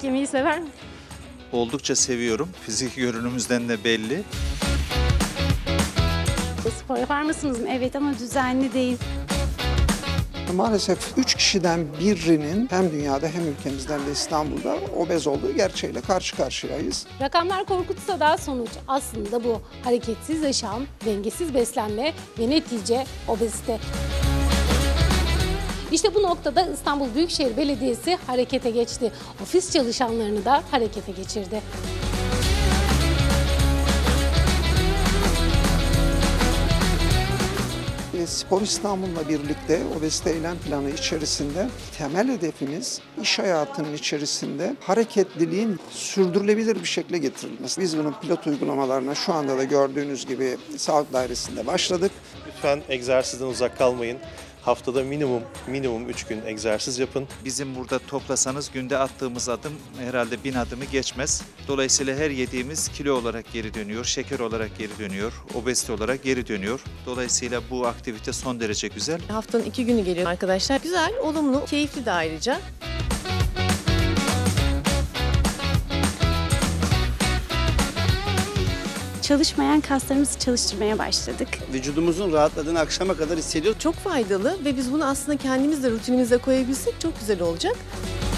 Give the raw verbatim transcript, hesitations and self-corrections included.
yemeği sever mi? Oldukça seviyorum. Fizik görünümümüzden de belli. Spor yapar mısınız? Evet ama düzenli değil. Maalesef üç kişiden birinin hem dünyada hem ülkemizden de İstanbul'da obez olduğu gerçeğiyle karşı karşıyayız. Rakamlar korkutsa da sonuç aslında bu. Hareketsiz yaşam, dengesiz beslenme ve netice obezite. İşte bu noktada İstanbul Büyükşehir Belediyesi harekete geçti. Ofis çalışanlarını da harekete geçirdi. Spor İstanbul'la birlikte obezite eylem planı içerisinde temel hedefimiz iş hayatının içerisinde hareketliliğin sürdürülebilir bir şekilde getirilmesi. Biz bunun pilot uygulamalarına şu anda da gördüğünüz gibi Sağlık Dairesi'nde başladık. Lütfen egzersizden uzak kalmayın. Haftada minimum minimum üç gün egzersiz yapın. Bizim burada toplasanız günde attığımız adım herhalde bin adımı geçmez. Dolayısıyla her yediğimiz kilo olarak geri dönüyor, şeker olarak geri dönüyor, obezite olarak geri dönüyor. Dolayısıyla bu aktivite son derece güzel. Haftanın iki günü geliyor arkadaşlar. Güzel, olumlu, keyifli de ayrıca. Çalışmayan kaslarımızı çalıştırmaya başladık. Vücudumuzun rahatladığını akşama kadar hissediyoruz. Çok faydalı ve biz bunu aslında kendimiz de rutinimize koyabilsek çok güzel olacak.